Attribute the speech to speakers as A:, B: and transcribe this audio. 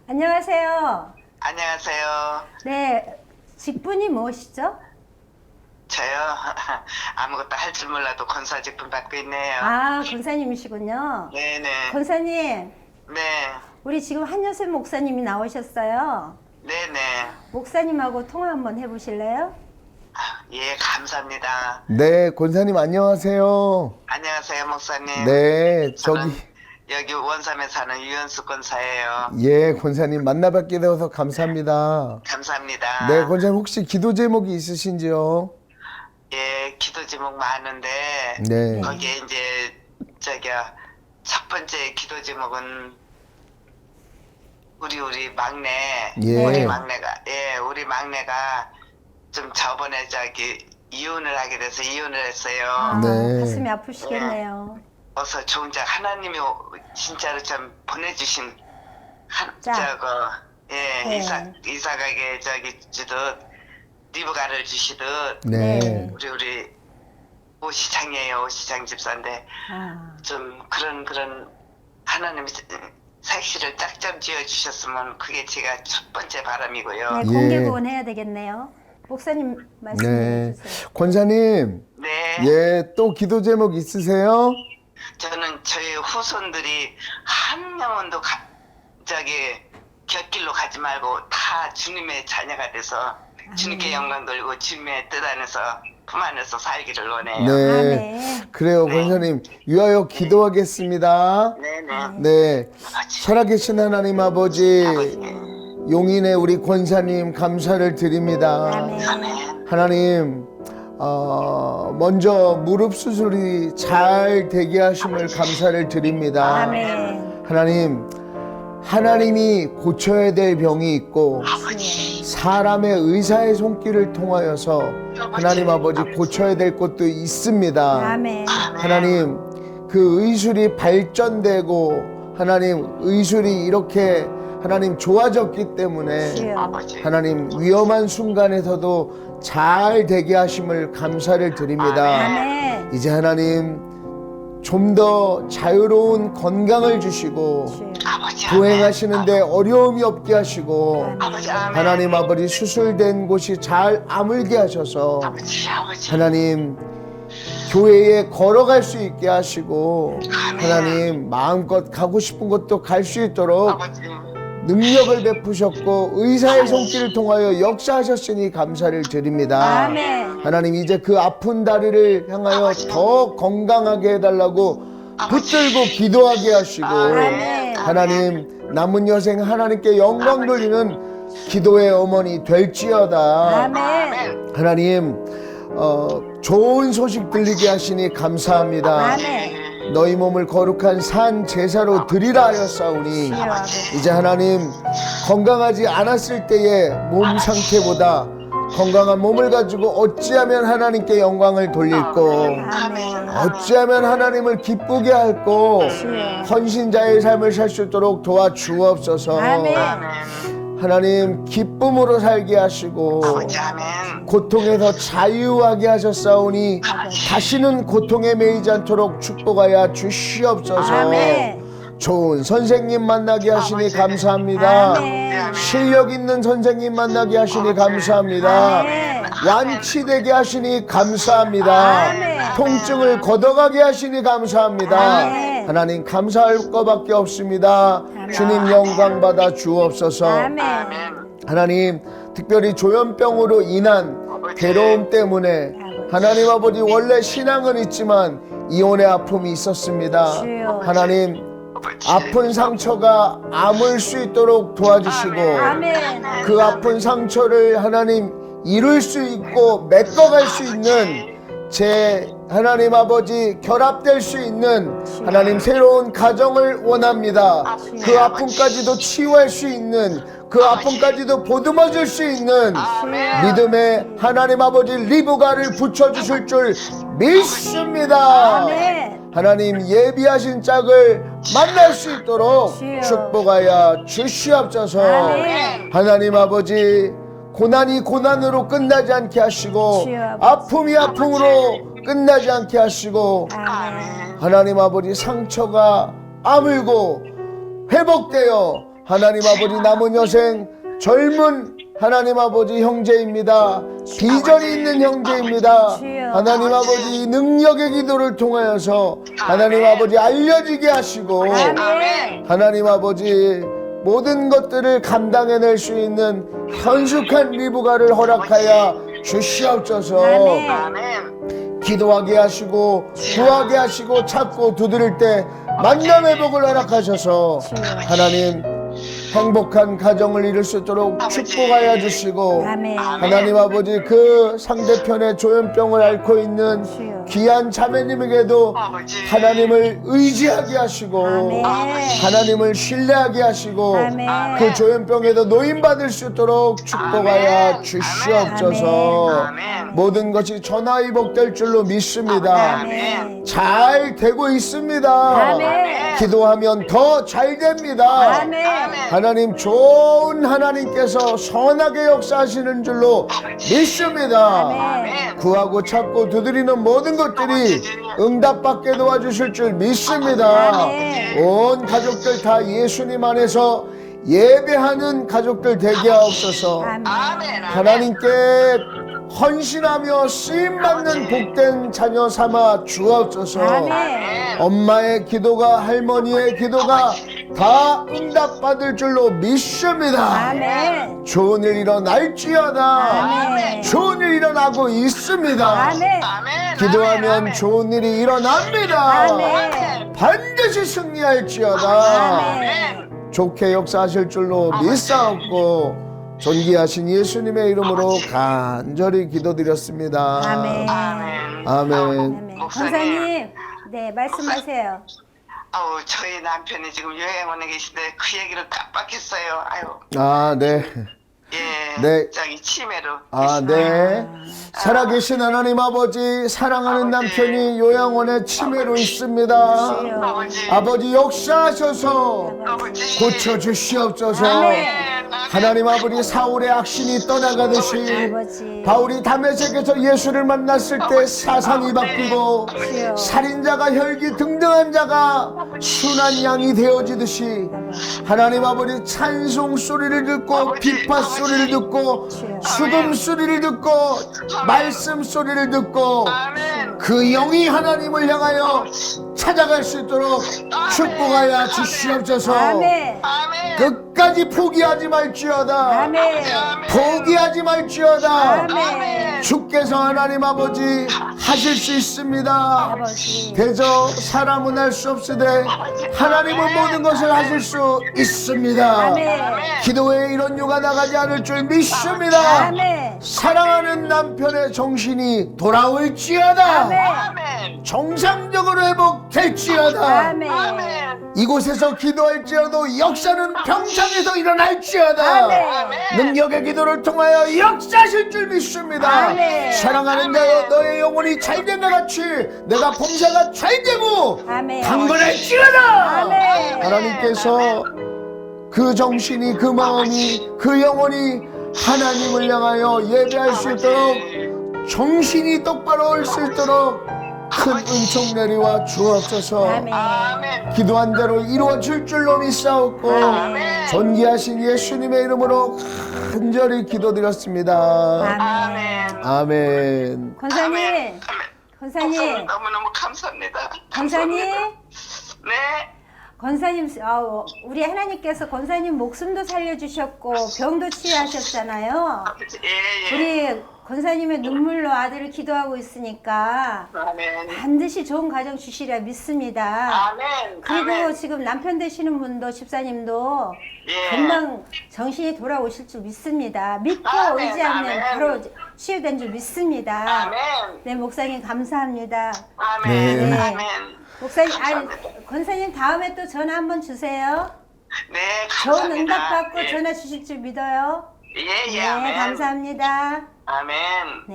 A: 안녕하세요.
B: 안녕하세요.
A: 네, 직분이 무엇이죠?
B: 저요? 아무것도 할 줄 몰라도 권사 직분 받고 있네요.
A: 아, 권사님이시군요.
B: 네네.
A: 권사님,
B: 네.
A: 우리 지금 한여셉 목사님이 나오셨어요.
B: 네네.
A: 목사님하고 통화 한번 해보실래요?
B: 예, 감사합니다.
C: 네, 권사님 안녕하세요.
B: 안녕하세요, 목사님.
C: 네,
B: 저는
C: 저기
B: 여기 원삼에 사는 유현수 권사예요.
C: 예, 권사님 만나뵙게 되어서 감사합니다.
B: 감사합니다.
C: 네, 권사님 혹시 기도 제목이 있으신지요?
B: 예, 기도 제목 많은데
C: 네.
B: 거기에 이제 첫 번째 기도 제목은 우리 막내
C: 예.
B: 우리 막내가 좀 저번에 이혼을 하게 돼서 이혼을 했어요.
A: 아,
C: 네.
A: 가슴이 아프시겠네요.
B: 어서 좋은 자 하나님이 진짜로 참 보내주신
A: 자. 네.
B: 이삭에게 주듯 리브가를 주시듯
C: 네.
B: 우리 오시장이에요. 오시장 집사인데
A: 아,
B: 좀 그런 하나님이 색시를 딱 좀 지어 주셨으면 그게 제가 첫 번째 바람이고요.
A: 네,
C: 예.
A: 공개 구원해야 되겠네요. 목사님 말씀해
C: 네.
A: 주세요.
C: 권사님,
B: 네.
C: 예, 또 기도 제목 있으세요?
B: 저는 저희 후손들이 한 영혼도 곁길로 가지 말고 다 주님의 자녀가 돼서 주님께 영광 돌리고 주님의 뜻 안에서 품 안에서 살기를 원해요.
C: 네.
A: 아멘.
C: 그래요,
B: 네.
C: 권사님. 위하여 기도하겠습니다.
B: 네네.
C: 네.
B: 아버지.
C: 살아계신 하나님 아버지,
B: 아버지.
C: 용인의 우리 권사님 감사를 드립니다.
A: 아멘.
B: 아멘.
C: 하나님, 먼저 무릎 수술이 잘 되게 하심을 감사를 드립니다.
A: 아멘.
C: 하나님이 고쳐야 될 병이 있고
B: 아버지.
C: 사람의 의사의 손길을 통하여서 하나님 아버지 고쳐야 될 것도 있습니다.
A: 아멘.
C: 하나님, 그 의술이 발전되고 하나님 의술이 이렇게 하나님 좋아졌기 때문에
A: 주여.
B: 아버지.
C: 하나님 위험한 순간에서도 잘 되게 하심을 감사를 드립니다.
A: 아멘.
C: 이제 하나님 좀 더 자유로운 건강을 주시고
A: 주여.
B: 아버지.
C: 보행하시는데 어려움이 없게 하시고
B: 아버지. 아멘.
C: 하나님 아버지 수술된 곳이 잘 아물게 하셔서
B: 아버지. 아버지.
C: 하나님 교회에 걸어갈 수 있게 하시고 하나님 마음껏 가고 싶은 곳도 갈 수 있도록
B: 아버지.
C: 능력을 베푸셨고 의사의 손길을 통하여 역사하셨으니 감사를 드립니다.
A: 아멘.
C: 하나님 이제 그 아픈 다리를 향하여 더 건강하게 해달라고 붙들고 기도하게 하시고
A: 아멘.
C: 하나님 남은 여생 하나님께 영광 돌리는 기도의 어머니 될지어다.
A: 아멘.
C: 하나님 좋은 소식 들리게 하시니 감사합니다.
A: 아멘.
C: 너희 몸을 거룩한 산 제사로 드리라 하였사오니 이제 하나님 건강하지 않았을 때의 몸 상태보다 건강한 몸을 가지고 어찌하면 하나님께 영광을 돌릴고
A: 아멘.
C: 어찌하면 하나님을 기쁘게 할고
A: 주여.
C: 헌신자의 삶을 살 수 있도록 도와주옵소서.
A: 아멘.
C: 하나님 기쁨으로 살게 하시고
B: 아버지. 아멘.
C: 고통에서 자유하게 하셨사오니 다시는 고통에 매이지 않도록 축복하여 주시옵소서.
A: 아멘.
C: 좋은 선생님 만나게 하시니 감사합니다.
A: 아멘.
C: 실력 있는 선생님 만나게 하시니 감사합니다.
A: 아멘.
C: 완치되게 하시니 감사합니다.
A: 아멘.
C: 통증을 걷어가게 하시니 감사합니다.
A: 아멘.
C: 하나님 감사할 것밖에 없습니다. 주님 영광 받아 주옵소서.
A: 아멘.
C: 하나님 특별히 조현병으로 인한 괴로움 때문에 하나님 아버지 원래 신앙은 있지만 이혼의 아픔이 있었습니다.
A: 주여.
C: 하나님 아픈 상처가 아물 수 있도록 도와주시고
A: 아멘.
C: 그 아픈 상처를 하나님 이룰 수 있고 메꿔갈 수 있는 제 하나님 아버지 결합될 수 있는 하나님 새로운 가정을 원합니다. 그 아픔까지도 치유할 수 있는 그 아픔까지도 보듬어줄 수 있는 믿음의 하나님 아버지 리브가를 붙여주실 줄 믿습니다.
A: 아멘.
C: 하나님 예비하신 짝을 만날 수 있도록
A: 주여.
C: 축복하여 주시옵소서.
A: 아멘.
C: 하나님 아버지 고난이 고난으로 끝나지 않게 하시고
A: 주여.
C: 아픔이 아픔으로 끝나지 않게 하시고
A: 아멘.
C: 하나님 아버지 상처가 아물고 회복되어 하나님 아버지 남은 여생 젊은 하나님 아버지 형제입니다. 비전이 있는 형제입니다. 하나님 아버지 능력의 기도를 통하여서 하나님 아버지 알려지게 하시고
A: 아멘.
C: 하나님 아버지 모든 것들을 감당해낼 수 있는 현숙한 리브가를 허락하여 주시옵소서.
A: 아멘.
B: 아멘.
C: 기도하게 하시고 구하게 하시고 찾고 두드릴 때 만남의 복을 허락하셔서 하나님 행복한 가정을 이룰 수 있도록 축복하여 주시고
A: 아멘.
C: 하나님 아버지 그 상대편의 조현병을 앓고 있는
A: 주여.
C: 귀한 자매님에게도
B: 아버지.
C: 하나님을 의지하게 하시고
A: 아멘.
C: 하나님을 신뢰하게 하시고
A: 아멘.
C: 그 조현병에도 노인받을 수 있도록 축복하여
B: 아멘.
C: 주시옵소서.
B: 아멘.
C: 모든 것이 전화위복될 줄로 믿습니다.
A: 아멘.
C: 잘 되고 있습니다.
A: 아멘.
C: 기도하면 더 잘 됩니다.
A: 아멘.
C: 하나님 좋은 하나님께서 선하게 역사하시는 줄로 믿습니다.
A: 아멘.
C: 구하고 찾고 두드리는 모든 것들이 응답받게 도와주실 줄 믿습니다.
A: 아멘.
C: 온 가족들 다 예수님 안에서 예배하는 가족들 되게 하옵소서.
A: 아멘.
B: 아멘.
C: 하나님께 헌신하며 쓰임받는 복된 자녀 삼아 주옵소서.
A: 아멘.
C: 엄마의 기도가 할머니의 기도가 다 응답받을 줄로 믿습니다.
A: 아멘.
C: 좋은 일 일어날지어다.
A: 아멘.
C: 좋은 일 일어나고 있습니다.
A: 아멘.
B: 아멘.
C: 기도하면
B: 아멘.
C: 좋은 일이 일어납니다.
A: 아멘.
C: 반드시 승리할지어다.
A: 아멘.
C: 좋게 역사하실 줄로 믿사옵고 존귀하신 예수님의 이름으로 간절히 기도드렸습니다.
A: 아멘.
B: 아멘.
C: 아멘.
A: 아멘.
B: 목사님.
A: 권사님, 네, 말씀하세요.
B: 아우 저희 남편이 지금 여행 오는 계신데 그 얘기를 깜빡했어요. 아유.
C: 아, 네.
B: 예.
C: 네.
B: 저기 치매로.
C: 아, 네. 살아계신 하나님 아버지, 사랑하는 남편이 요양원에 치매로 있습니다.
A: 주여.
B: 아버지.
C: 아버지 역사하셔서
B: 아버지.
C: 고쳐주시옵소서.
A: 아멘.
C: 하나님 아버지, 사울의 악신이 떠나가듯이
A: 아버지.
C: 바울이 다메섹에서 예수를 만났을 때 사상이 바뀌고
A: 주여.
C: 살인자가 혈기 등등한 자가 순한 양이 되어지듯이 하나님 아버지 찬송 소리를 듣고 비파 소리를 듣고 수금 소리를 듣고 말씀 소리를 듣고
B: 아멘.
C: 그 영이 하나님을 향하여 찾아갈 수 있도록 축복하여 주시옵소서.
A: 아멘.
B: 아멘.
C: 끝까지 포기하지 말지어다.
A: 아멘.
C: 포기하지 말지어다.
A: 아멘.
C: 주께서 하나님 아버지 하실 수 있습니다.
A: 아버지.
C: 대저 사람은 할 수 없으되 하나님은 모든 것을 하실 수 있습니다.
A: 아멘.
C: 기도에 이런 유가 나가지 않을 줄 믿습니다.
A: 아멘.
C: 사랑하는 남편의 정신이 돌아올지어다.
A: 아멘.
B: 아멘.
C: 정상적으로 회복될지어다.
A: 아멘.
B: 아멘.
C: 이곳에서 기도할지라도 역사는 평창에서 일어날지어다.
A: 아멘.
C: 능력의 기도를 통하여 역사하실 줄 믿습니다.
A: 아멘.
C: 사랑하는 너의 영혼이 잘된 것 같이 내가 봉사가 잘되고
A: 아멘.
C: 강건할지어다.
A: 아멘.
C: 하나님께서 그 정신이 그 마음이 그 영혼이 하나님을 향하여 예배할 수 있도록 정신이 똑바로 올 수 있도록 큰 은총 내리와 주옵소서.
A: 아멘.
B: 아멘.
C: 기도한 대로 이루어질 줄로 믿사옵고
A: 아멘.
C: 존귀하신 예수님의 이름으로 간절히 기도드렸습니다.
A: 아멘.
C: 아멘.
A: 권사님,
B: 아멘.
A: 권사님,
B: 너무너무 감사합니다.
A: 권사님,
B: 네.
A: 권사님, 우리 하나님께서 권사님 목숨도 살려주셨고 병도 치유하셨잖아요.
B: 예, 예.
A: 우리 권사님의 눈물로 아들을 기도하고 있으니까
B: 아멘.
A: 반드시 좋은 가정 주시리라 믿습니다.
B: 아멘.
A: 그리고
B: 아멘.
A: 지금 남편 되시는 분도 집사님도
B: 예.
A: 금방 정신이 돌아오실 줄 믿습니다. 믿고
B: 아멘,
A: 의지하면
B: 아멘.
A: 바로 치유된 줄 믿습니다.
B: 아멘.
A: 네, 목사님 감사합니다.
B: 아멘.
C: 네.
B: 아멘.
A: 목사님,
B: 감사합니다.
A: 권사님 다음에 또 전화 한번 주세요.
B: 네,
A: 좋은
B: 감사합니다.
A: 응답 받고
B: 예.
A: 전화 주실 줄 믿어요.
B: 예, 예.
A: 네,
B: 아멘.
A: 감사합니다.
B: 아멘.